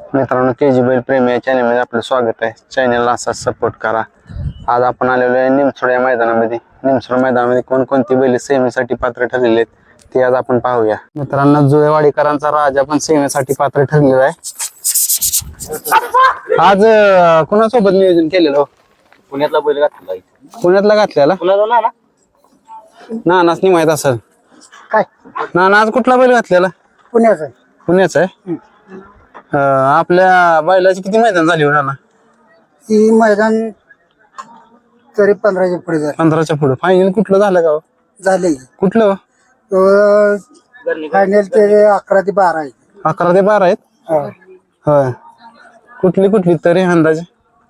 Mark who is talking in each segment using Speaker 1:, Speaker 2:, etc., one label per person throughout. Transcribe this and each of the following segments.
Speaker 1: मित्रांनो केजी बैल प्रेमी या चॅनलमध्ये आपलं स्वागत आहे. चॅनलला असाच सपोर्ट करा. आज आपण आलेलो आहे निमसोड या मैदानामध्ये. निमसोड मैदानामध्ये कोणकोणती बैल सेमीसाठी पात्र ठरलेले आहेत ते आज आपण पाहूया. मित्रांनो जुळेवाडीकरांचा राजा पण सेमीसाठी पात्र ठरलेला आहे. आज कोणासोबत नियोजन केलेलं?
Speaker 2: पुण्यातला बैल घातला.
Speaker 1: पुण्यातला घातलेला
Speaker 2: पुण्याला ना
Speaker 1: नानाच नाही माहित असेल
Speaker 2: काय
Speaker 1: नाना. आज कुठला बैल घातलेला? पुण्याचा आहे. आपल्या बैलाची किती मैदान झाली हो नाना?
Speaker 2: ही मैदान तरी 15च्या पुढे झालं.
Speaker 1: 15च्या पुढे. फायनल कुठलं झालं का?
Speaker 2: झाले
Speaker 1: कुठलं?
Speaker 2: फायनल ते 11 ते 12 आहे.
Speaker 1: 11 ते 12 आहेत. होय. कुठली तरी अंदाजे?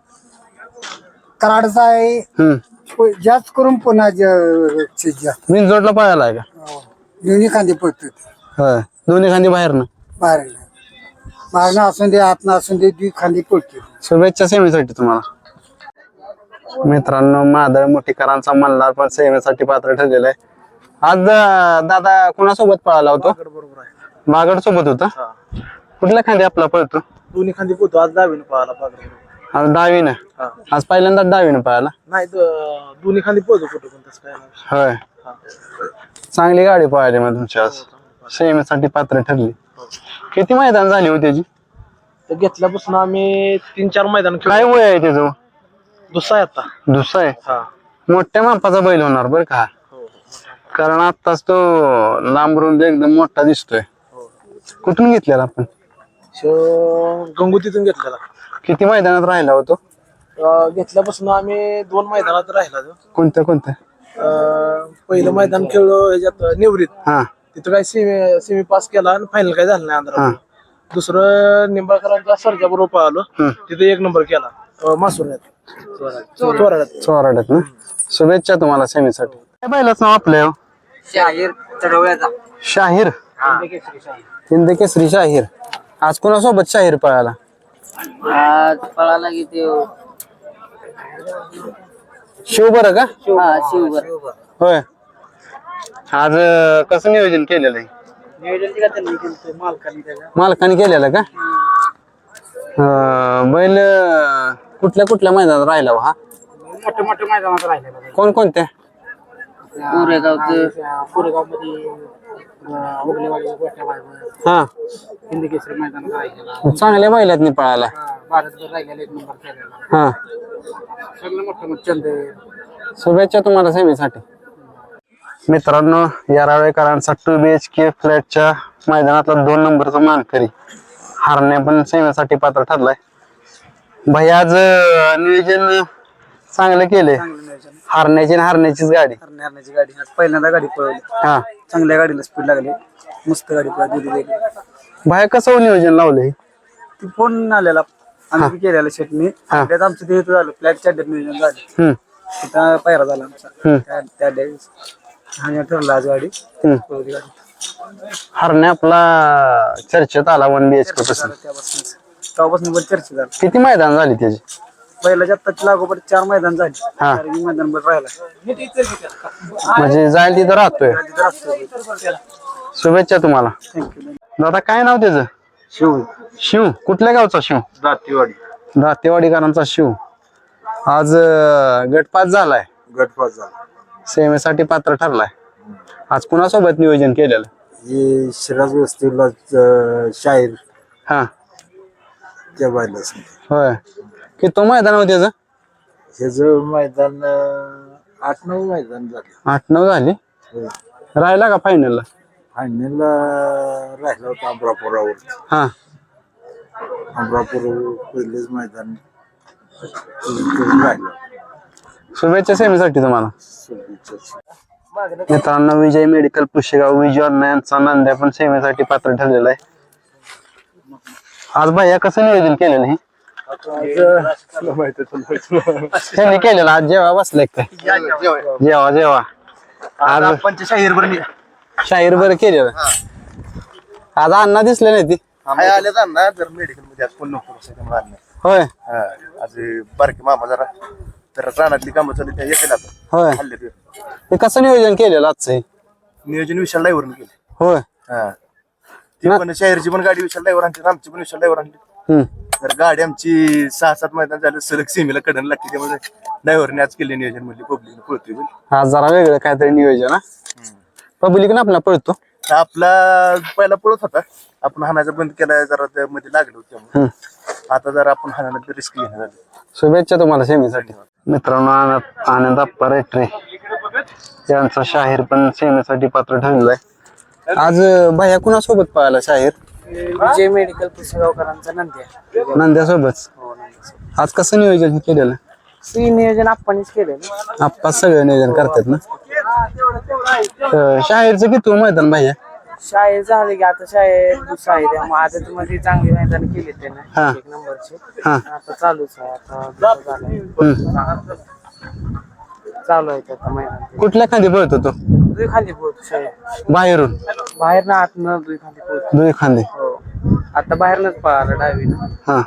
Speaker 2: कराडचा आहे जास्त करून पुन्हा जास्त
Speaker 1: बिनजोडला पळायला आहे का?
Speaker 2: दोन्ही खांदे पडतात.
Speaker 1: होय. दोन्ही खांदी बाहेरनं
Speaker 2: बाहेरनं असून दे आतनं असून दे दुई खांदे पडते.
Speaker 1: शुभेच्छा सेमीसाठी तुम्हाला. मित्रांनो मादळ मोठीकरांचा मल्हार पण सेमीसाठी पात्र ठरलेला आहे. आज दादा कोणासोबत पळाला होतो? बागड सोबत होता. कुठल्या खांदी आपला पळतो?
Speaker 2: दोन्ही खांदे पडतो. आज डावीनं पळाला.
Speaker 1: आज डावीनं. आज पहिल्यांदा डावीनं पळाला.
Speaker 2: नाही दोन्ही खांदे पळतो कुठं पण तसं काय.
Speaker 1: होय. चांगली गाडी पळाली मग तुमची आज. सेमीसाठी पात्र ठरली. किती मैदान झाली होती त्याची?
Speaker 2: घेतल्यापासून आम्ही 3-4 मैदान
Speaker 1: काय वय आहे त्याचं?
Speaker 2: दुसरा आहे आता.
Speaker 1: दुसरा आहे. मोठ्या मापाचा बैल होणार बरं का, कारण आत्ताच तो लांबरून एकदम मोठा दिसतोय. कुठून घेतलेला आपण?
Speaker 2: गंगोतीतून घेतलेला.
Speaker 1: किती मैदानात राहिला होतो?
Speaker 2: घेतल्यापासून आम्ही 2 मैदानात राहिला.
Speaker 1: कोणत्या?
Speaker 2: पहिलं मैदान खेळलो ह्याच्यात निवृत्त.
Speaker 1: हा.
Speaker 2: तिथं काय सेमी पास केला आणि फायनल काय झालं नाही आंध्रा. दुसरं निंबाळकरांचा सरच्या बरोबर पळालो. तिथे 1 नंबर केला
Speaker 1: चोराड्यात ना. शुभेच्छा तुम्हाला सेमीसाठी. काय बैलाच नाव आपलं?
Speaker 2: शाहीर चढवळ्याचा.
Speaker 1: शाहीर. हिंद केसरी शाहीर. आज कोणासोबत शाहीर पळाला?
Speaker 2: आज पळाला की ते
Speaker 1: शिव बरं का?
Speaker 2: शिवभर.
Speaker 1: होय. आज कसं नियोजन केलेलं आहे? मालकाने केलेलं का? बैल कुठल्या मैदानात राहिला हा?
Speaker 2: मोठ्या मैदानात राहिलेला.
Speaker 1: कोणत्या?
Speaker 2: कोरेगाव मध्ये
Speaker 1: हा.
Speaker 2: हिंद केसरी मैदानात राहिलेला.
Speaker 1: चांगल्या बैलात पळाला.
Speaker 2: भारतभर राहिलेला 1 नंबर केलेला.
Speaker 1: हा.
Speaker 2: सगळं मोठं चंद.
Speaker 1: शुभेच्छा तुम्हाला सेमीसाठी. मित्रांनो यारावेकरांचा 2 BHK फ्लॅटच्या मैदानातला 2 नंबरचा मानकरी हारण्या पण सेमीसाठी पात्र ठरलाय. भाई आज नियोजन चांगलं केलंय. हारण्याचीच गाडी.
Speaker 2: आज पहिल्यांदा गाडी पळवली.
Speaker 1: हा.
Speaker 2: चांगल्या गाडीला स्पीड लागली. मस्त गाडी पळवली.
Speaker 1: भाई कसं नियोजन लावलंय?
Speaker 2: ती फोन आलेला आम्ही केलेला शेटनी. त्यात आमचं ते झालं फ्लॅटच्या नियोजन झालं. तिथं पहिरा झाला आमचा त्या दिवस. आणि ठरला आज गाडी.
Speaker 1: हरणे आपला चर्चेत आला 1 BHK पासून.
Speaker 2: तेव्हापासून पण चर्चा झाली.
Speaker 1: किती मैदान झाली त्याची?
Speaker 2: पहिल्याच्या आत्ताची लागोपाठ 4 मैदान झाली. मैदान पण राहिला
Speaker 1: म्हणजे जाईल तिथं राहतोय. शुभेच्छा तुम्हाला. दादा काय नाव त्याचं? शिव. कुठल्या गावचा शिव? दातेवाडीकरांचा शिव. आज गटपास झालाय. सेमीसाठी पात्र ठरलाय. आज कुणासोबत नियोजन केलेलं?
Speaker 2: शिराज वस्तीला शाहीर.
Speaker 1: हा.
Speaker 2: त्या बायला
Speaker 1: होय. की तो मैदान होते
Speaker 2: ह्याचं मैदान 8-9 मैदान झाले.
Speaker 1: 8-9 झाली. राहिला का फायनलला?
Speaker 2: फायनलला राहिला होता अमरापुरावर.
Speaker 1: हा.
Speaker 2: अमरापूर पहिलेच मैदान राहिलं.
Speaker 1: शुभेच्छा सेमीसाठी तुम्हाला. मित्रांनो विजय मेडिकल पुशेगाव विजय यांचा नांद्या पण सेमीसाठी पात्र ठरलेला आहे. आज भैया कसं नियोजन केलेलं हे? त्यांनी केलेलं आज जेव्हा बसलाय काय? जेव्हा आज शाहीर बरं केलेलं. आज अण्णा दिसले नाही ती
Speaker 2: आले ना जर मेडिकल मध्ये आज कोण नको.
Speaker 1: होय.
Speaker 2: आज बारके मामा जरा तर रानातली कामं चालली त्या येते ना.
Speaker 1: होय. ते कसं नियोजन केलेलं आजचं?
Speaker 2: नियोजन विशाल ड्रायव्हरने केले.
Speaker 1: होय.
Speaker 2: ती पण शाहीरची पण गाडी विशाल ड्रायव्हर आणली. आमची पण विशाल ड्रायव्हर आणली.
Speaker 3: तर गाडी आमची 6-7 मैदान झालं सलग सीमेला कडन लागते, त्यामुळे ड्रायव्हरने आज केले नियोजन म्हणजे पब्लिक पळतोय बैल.
Speaker 1: हा जरा वेगळं काहीतरी नियोजन हा पब्लिक ना आपला पळतो.
Speaker 3: तर आपला पहिला पळत होता, आपण हाणायचा बंद केला, जरा त्यामध्ये लागलो त्यामुळे आता जरा आपण हाणायला रिस्क घेणार झालं.
Speaker 1: शुभेच्छा तुम्हाला सेमीसाठी. मित्रांनो आनंद अप्पा रेटरे यांचा शाहीर पण सेमीसाठी पात्र ठरलेला आहे. आज भैया कुणासोबत पळाला शाहीर?
Speaker 2: विजय मेडिकल पुसेगावकरांचा नंद्या.
Speaker 1: नंद्यासोबत. आज कसं नियोजन केलेलं?
Speaker 2: नियोजन आपणच केलं.
Speaker 1: आप्पा सगळं नियोजन करतात ना. शाहीरचं किती मैदान भैया?
Speaker 2: शाळेत झाले की आता शाळेत दुसरा आहे, त्यामुळे आदत मध्ये चांगली मैदान केली त्याने 1 नंबरचे. आता चालूच आहे, आता दुसरं झालंय. चालू आहे आता मैदान.
Speaker 1: कुठल्या खांदी पळतो तो?
Speaker 2: दुई खाली पोहतो शाळेत.
Speaker 1: बाहेरून?
Speaker 2: बाहेर ना आत न दुई खाली पोहतो.
Speaker 1: दोन खांदे.
Speaker 2: हो आता बाहेरनच पळाला डावीनं.
Speaker 1: हा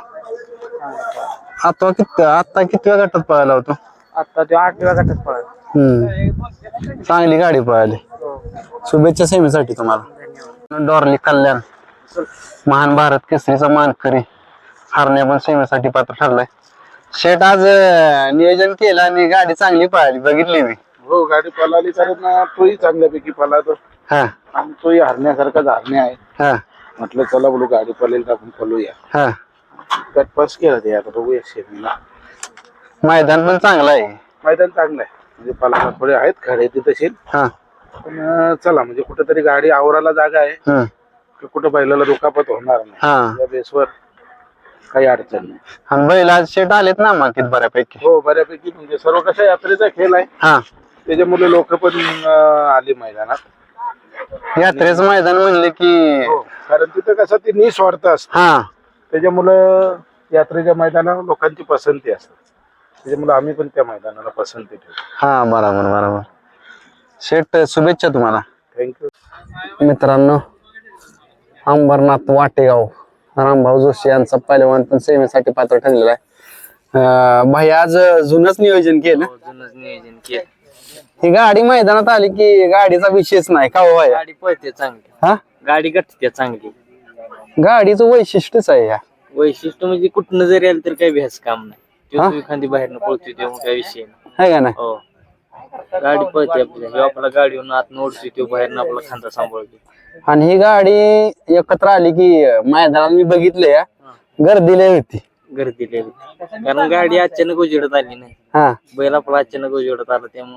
Speaker 1: आता कितव्या गटात पळाला होतो?
Speaker 2: आता तो 8व्या गटात पळाला.
Speaker 1: चांगली गाडी पळाली. शुभेच्छा सेमीसाठी तुम्हाला. डॉर्ली कल्याण महान भारत केसरीचा मानकरी हरण्या पण सेमीसाठी पात्र ठरलाय. शेट आज नियोजन केलं आणि गाडी चांगली पळाली, बघितली मी.
Speaker 4: हो गाडी पळाली, कारण तोही चांगल्यापैकी पळाला
Speaker 1: हा
Speaker 4: आणि तोही हरण्यासारखाच हरण्या आहे.
Speaker 1: हा
Speaker 4: म्हटलं चला बोलू गाडी पळेल तर आपण पळूया.
Speaker 1: हा
Speaker 4: गटपास केला ते, आता बघूया शेतीला.
Speaker 1: मैदान पण चांगलं आहे.
Speaker 4: मैदान चांगलं आहे, म्हणजे पळायला थोडे आहेत खडे ते तसे,
Speaker 1: हा
Speaker 4: पण चला म्हणजे कुठेतरी गाडी आवराला जागा आहे की कुठं बैलाला दुखापत होणार नाही,
Speaker 1: हा
Speaker 4: या बेसवर काही अडचण नाही.
Speaker 1: आणि बैल आज शेट आलेत ना मातीत बऱ्यापैकी.
Speaker 4: हो बऱ्यापैकी, म्हणजे सर्व कशा यात्रेचा खेळ आहे,
Speaker 1: हा
Speaker 4: त्याच्यामुळे लोक पण आली मैदानात.
Speaker 1: यात्रेचं मैदान म्हणले की
Speaker 4: हो, कारण तिथं कसं ती निस्वार्थ असतं,
Speaker 1: हा
Speaker 4: त्याच्यामुळं यात्रेच्या मैदानावर लोकांची पसंती असते, त्याच्यामुळे आम्ही पण त्या मैदानाला पसंती ठेवतो.
Speaker 1: हा बरोबर बरोबर. शेट शुभेच्छा तुम्हाला.
Speaker 4: थँक्यू.
Speaker 1: मित्रांनो अंबरनाथ वाटेगाव रामभाऊ जोशी यांचा पहिलवान पण सेवेसाठी पात्र ठरलेला आहे. भाई आज जुनच नियोजन केलं.
Speaker 2: जुनच नियोजन केलं.
Speaker 1: ही गाडी मैदानात आली की गाडीचा विषयच नाही का हो भाई?
Speaker 2: गाडी पळते चांगली,
Speaker 1: हा
Speaker 2: गाडी गटते चांगली.
Speaker 1: गाडीचं वैशिष्ट्यच आहे या.
Speaker 2: वैशिष्ट्य म्हणजे कुठनं जरी आलं तर काही भ्यास काम नाही. तो एखादी बाहेरनं पळतोय तेव्हा काही विषय नाही.
Speaker 1: है का नाही?
Speaker 2: हो गाडी पळते आपल्या, आपला गाडीवरून आत ओढतोय तो बाहेरनं आपला खांदा सांभाळतो.
Speaker 1: आणि ही गाडी एकत्र आली की मैदानात मी बघितलं या गर्दी लय होती.
Speaker 2: गर्दी लय होती. कारण गाडी अचानक उजेडत आली नाही,
Speaker 1: हा
Speaker 2: बैल आपला अचानक उजेडत आला, त्यामुळे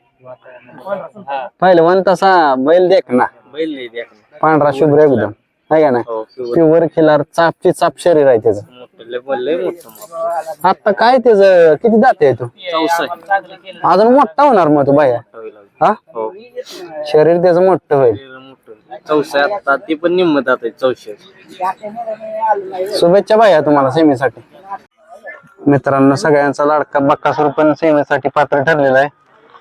Speaker 1: पहिलवान तसा बैल देख ना,
Speaker 2: बैल लय द्या.
Speaker 1: पांढरा शुभ्र एकदम, है का नाही?
Speaker 2: हो
Speaker 1: प्युअर खिलार चापची चाप शरीर आहे त्याचं.
Speaker 2: मोठं लय मोठं.
Speaker 1: आता काय त्याचं किती दाते आहे तो?
Speaker 2: चौसा
Speaker 1: अजून मोठा होणार मग तो बाया. हा
Speaker 2: हो
Speaker 1: शरीर त्याचं मोठं होईल.
Speaker 2: चौसा आता ती पण निम्मत आता चौशे.
Speaker 1: शुभेच्छा बाया तुम्हाला सेमीसाठी. मित्रांनो सगळ्यांचा लाडका बक्कासूर पण सेमीसाठी पात्र ठरलेला आहे.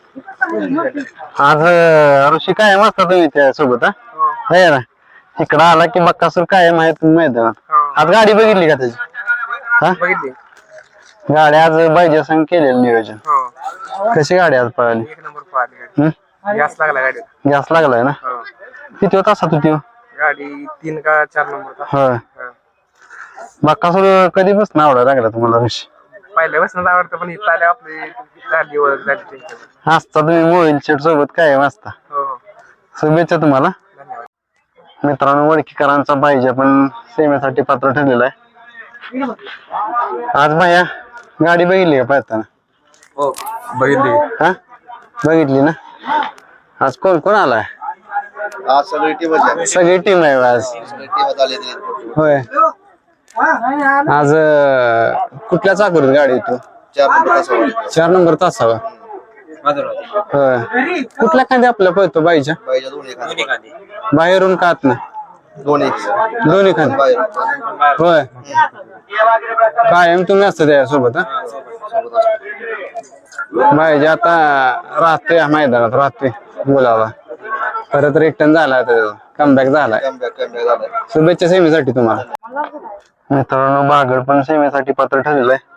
Speaker 1: आज ऋषी कायम असता तुम्ही त्या सोबत? हा ना, इकडं आला की बक्कासूर कायम आहे तुम्ही मैदानात. आज गाडी बघितली का त्याची? हा
Speaker 2: बघितली
Speaker 1: गाडी आज पाहिजे संग केलेलं नियोजन. कशी गाडी आज पळाली?
Speaker 2: 1 नंबर पळाली. गॅस लागला गाडीला.
Speaker 1: गॅस लागलाय ना? किती होता असा तू?
Speaker 2: गाडी 3 का 4 नंबर.
Speaker 1: होय. बक्कासूर कधीपासून आवडायला लागला तुम्हाला ऋषी?
Speaker 2: पहिल्यापासून आवडतं, पण इथं आल्या आपली झाली ओळख झाली.
Speaker 1: असता तुम्ही मोबाईल शेट सोबत कायम असता.
Speaker 2: हो
Speaker 1: शुभेच्छा तुम्हाला. मित्रांनो वडकीकरांचा पाहिजे पण सेवेसाठी पात्र ठरलेला आहे. आज भैया गाडी बघितली का पळताना?
Speaker 2: हो बघितली.
Speaker 1: हा बघितली ना. आज कोण कोण आलाय?
Speaker 3: आज सगळी टीम
Speaker 1: सगळी टीम आहे आज. होय. आज कुठल्या चाकरीत गाडी तू? 4 नंबर तासावा. होय. कुठल्या खांदी आपल्या पळतो बाईच्या? बाहेरून का आतनं? दोन्ही खांदी. होय. कायम तुम्ही असता त्यासोबत? बाईच्या आता राहतोय मैदानात, राहतोय बोलावा. परत रिटर्न झाला, कमबॅक झालाय. शुभेच्छा सेमीसाठी तुम्हाला. मित्रांनो बागड पण सेमीसाठी पात्र ठरलेलं आहे.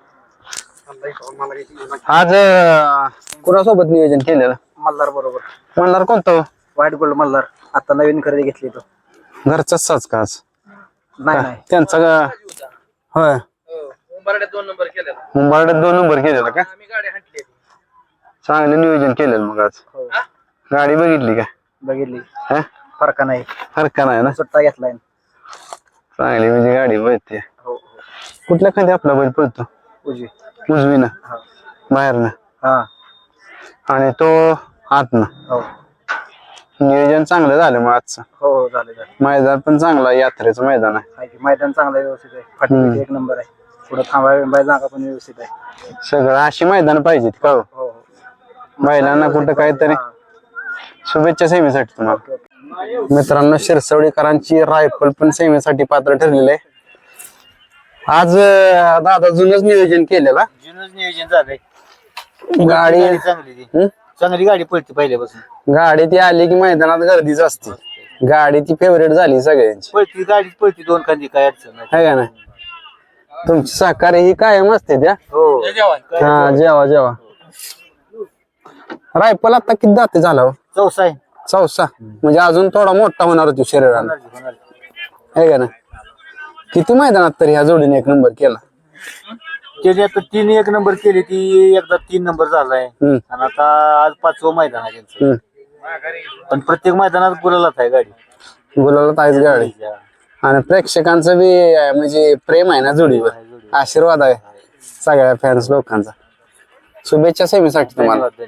Speaker 1: आज कुणासोबत नियोजन केलेलं?
Speaker 2: मल्हार बरोबर.
Speaker 1: मल्हार कोणतं?
Speaker 2: White gold Malhar. आता नवीन खरेदी घेतली तो.
Speaker 1: घरचाच साच का आज?
Speaker 2: नाही नाही
Speaker 1: त्यांचा होय
Speaker 2: मुंबर्ड्यात 2 नंबर केलेला
Speaker 1: मुंबईत 2 नंबर केलेला का
Speaker 2: आम्ही गाडी हाणली
Speaker 1: चांगलं नियोजन केलेलं मग आज गाडी बघितली का
Speaker 3: बघितली
Speaker 1: हा
Speaker 3: फरका नाही
Speaker 1: हरका नाही ना
Speaker 3: सुट्टा घेतलाय
Speaker 1: चांगली म्हणजे गाडी पळते कुठल्या खाली आपला बैल पळतो
Speaker 3: उजवी
Speaker 1: उजवीनं बाहेरनं
Speaker 3: हा
Speaker 1: आणि तो आतनं
Speaker 3: हो
Speaker 1: नियोजन चांगलं झालं मग आजचं
Speaker 3: हो झालं झालं
Speaker 1: मैदान पण चांगलं आहे, यात्रेचं मैदान आहे
Speaker 3: आहे की मैदान चांगलं आहे, व्यवस्थित आहे फाटी एक नंबर आहे पुढे थांबाय जागा पण व्यवस्थित आहे
Speaker 1: सगळं अशी मैदान पाहिजेत का हो?
Speaker 3: हो
Speaker 1: महिलांना कुठं काहीतरी शुभेच्छा सेमीसाठी तुम्हाला मित्रांनो शिरसवडीकरांची रायफल पण सेमीसाठी पात्र ठरलेले आहे आज दादा जुनच नियोजन केलेला
Speaker 3: जुनच नियोजन झालंय
Speaker 1: गाडी
Speaker 3: चांगली ती
Speaker 1: हं?
Speaker 3: चांगली गाडी पळते पहिल्यापासून
Speaker 1: गाडी ती आली की मैदानात गर्दीच असते गाडी ती फेवरेट झाली सगळ्यांची
Speaker 3: पळती गाडी पळती 2 खांदी काय अडचण नाही
Speaker 1: है का नाही तुमची सहकार्य ही कायम असते त्या
Speaker 3: हो
Speaker 1: हा जेवा रायफल आता किती दाते झाला हो?
Speaker 3: चौसा आहे
Speaker 1: चौसा म्हणजे अजून थोडा मोठा होणार होती शरीराला है का ना किती मैदानात तरी ह्या जोडीने 1 नंबर केला
Speaker 3: त्याची आता 3 1 नंबर केली ती एकदा 3 नंबर झालाय आणि आता आज 5वं मैदान आहे त्यांचं पण प्रत्येक मैदानात गुलालाच आहे गाडी
Speaker 1: गुलाला आहेच गाडी आणि प्रेक्षकांचं बी म्हणजे प्रेम आहे ना जोडीवर आशीर्वाद आहे सगळ्या फॅन्स लोकांचा शुभेच्छा सेमीसाठी तुम्हाला